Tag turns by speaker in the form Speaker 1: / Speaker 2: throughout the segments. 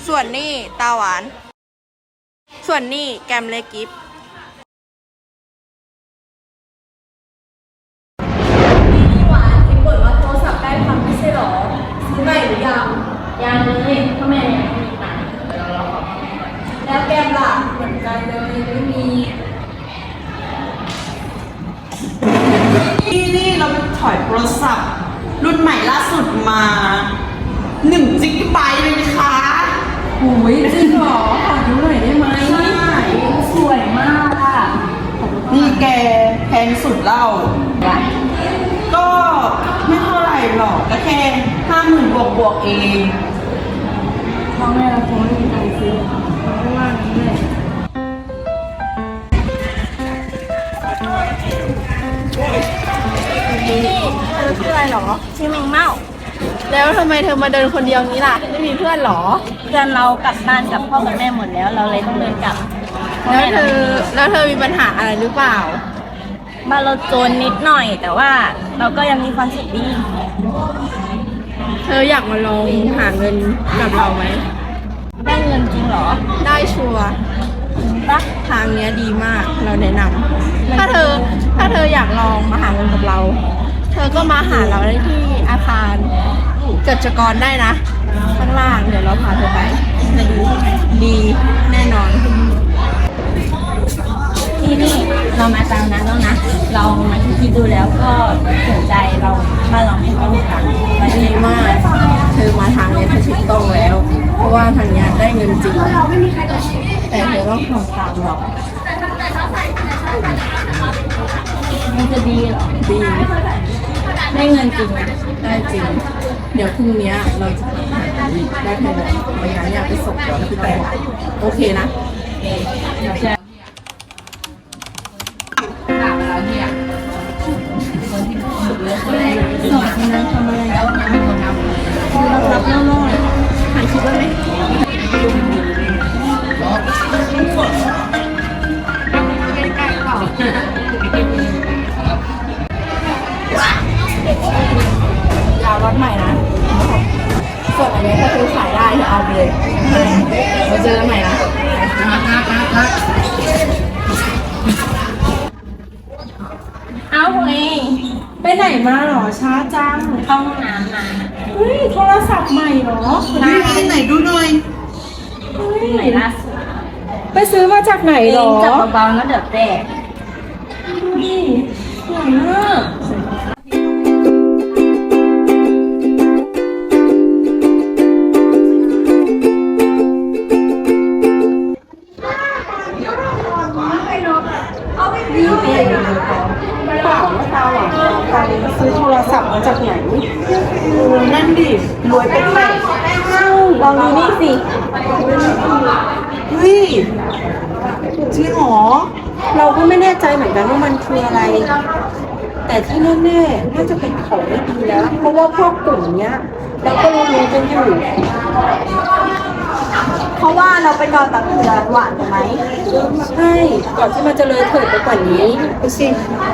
Speaker 1: ส่วนนี่ตาหวานส่วนนี่แกมเล็กกิฟ
Speaker 2: นี่หวานเห็นบ่นว่าโทรศัพท์ได้พังไม่ใช่หรอซื้อใหม่หรือยัง
Speaker 3: ยังเลยทำไมยังไม่มีตังค์
Speaker 2: แล้วแกมล่ะเหมือนกันเลยไม่มี
Speaker 4: นี่เราไปถอยโทรศัพท์รุ่นใหม่ล่าสุดมา1 จิกะไบต์เลยนะคะ
Speaker 2: โอ้ยจริงเหรอขอดูหน่อยได้ไหม
Speaker 4: ใช่
Speaker 3: สวยมากอ่ะ
Speaker 4: นี่แกแพงสุดเล่าก็ไม่เท่าไหร่หรอกก็แค่50,000บวกเอง
Speaker 3: พ่อแม่เราคงไม่มีตังค์ซื้อไม่ว่านี้เลย
Speaker 1: นี่เธอชื่ออะไรหรอชื่อแมงเม่าแล้วทำไมเธอมาเดินคนเดียวนี้ล่ะไม่มีเพื่อนหรอ
Speaker 3: เพื่อนเรากลับบ้านกับพ่อกับแม่หมดแล้วเราเลยต้องเดินกลับ
Speaker 1: แล้วเธอมีปัญหาอะไรหรือเปล่า
Speaker 3: บ้านเราจนนิดหน่อยแต่ว่าเราก็ยังมีความสุขดี
Speaker 1: เธออยากมาลองหาเงินกับเราไหม
Speaker 3: ได้เงินจริงเหรอ
Speaker 1: ได้ชัวร์ทางเนี้ยดีมากเราแนะนำถ้าเธออยากลองมาหาเงินกับเราเธอก็มาหาเราได้ที่อาคารเกิดจกรได้นะข้างล่างเดี๋ยวเราพาเธอไปจะดีแน่นอน
Speaker 3: ที่นี่เรามาตามนั้นแล้วนะเรามาคิดดูแล้วก็สนใจเราบ้านเราไม่ค่อยมีตังค์
Speaker 1: ดีมากเธอมาทางนี้เธอถูกต้องแล้วเพราะว่าทางนี้ได้เงินจริงแต่เธอต้องทำตามหรอก
Speaker 3: มันจะดีเหรอ
Speaker 1: ดี
Speaker 3: ได้เงินจริงนะ
Speaker 1: ได้จริงเดี๋ยวพรุ่งนี้เราจะได้ภายในวันนั้นอยากไปส่งเราที่ไต้หวันโอเคนะ
Speaker 3: สอนคนนั้นทำอะไรแล้วนะ
Speaker 1: รับเล่าถ่ายคลิปไว้ไหมยาวรถใหม่นะส่วนอันนี้ถ้าซื้อขายได้เอาไปเลยเราเจอกันใหม่นะ
Speaker 3: เอาเอง
Speaker 2: ไปไหนมาหรอช้าจัง
Speaker 3: เข้าห้องน้ำมา
Speaker 2: เฮ้ยโทรศัพท์ใหม่หรอ
Speaker 4: ไหนดูหน่อย
Speaker 3: ไหนล่าสุด
Speaker 2: ไปซื้อมาจากไหนหรอ
Speaker 3: จับเบาๆแล้วเดี๋ยวแตก
Speaker 2: นี่สวยมากนี่เป็นเปล่าว่าตาหวานไปซื้อโทรศัพท์มาจากไหน
Speaker 4: นั่นดิรวยเป็นไหม
Speaker 3: ลองดูนี่สิ
Speaker 4: เฮ้ยจริงหรอ
Speaker 2: เราก็ไม่แน่ใจเหมือนกันว่ามันคืออะไรแต่ที่แน่ๆน่าจะเป็นของไม่ดีแล้วเพราะว่าพวกกลุ่มเนี้ยเราก็รู้กันอยู่
Speaker 3: เพราะว่าเราไปนอนตักเตือนหวานไหม
Speaker 2: ใช่ก่อนที่มันจะเลยเถิดไปกว่านี้ดูสิ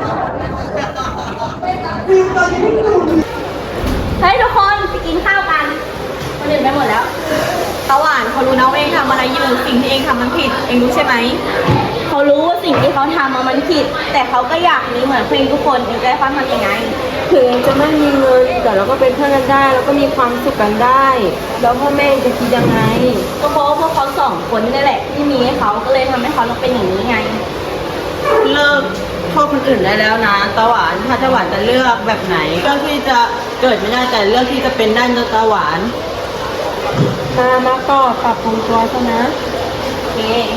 Speaker 3: เฮ้ยทุกคนไปกินข้าวกันคนอื่นไปหมดแล้วตาหวานเขารู้นะว่าเองทำอะไรอยู่สิ่งที่เองทำมันผิดเองรู้ใช่ไหมเขารู้ว่าสิ่งที่เขาทำมันผิดแต่เขาก็อยากมีเหมือนเพื่อนทุกคนเองจะได้ฟังทำยังไง
Speaker 2: ถึงจะไม่มีเงินแต่เราก็เป็นเพื่อนกันได้แล้วก็มีความสุขกันได้แล้วพ่อแม่จะคิดยังไง
Speaker 3: ก็เพราะพวกเขาสองคนนี่แหละที่มีให้เขาก็เลยทำให้เขาต้องเป็นอย่างนี้ไง
Speaker 4: เลิกโทษคนอื่นได้แล้วนะตาหวานถ้าตาหวานจะเลือกแบบไหนเลือกที่จะเกิดไม่ได้แต่เลือกที่จะเป็นได้นะตาหวาน
Speaker 2: มาก็ปรับปรุงตัวซะนะ
Speaker 3: โอเค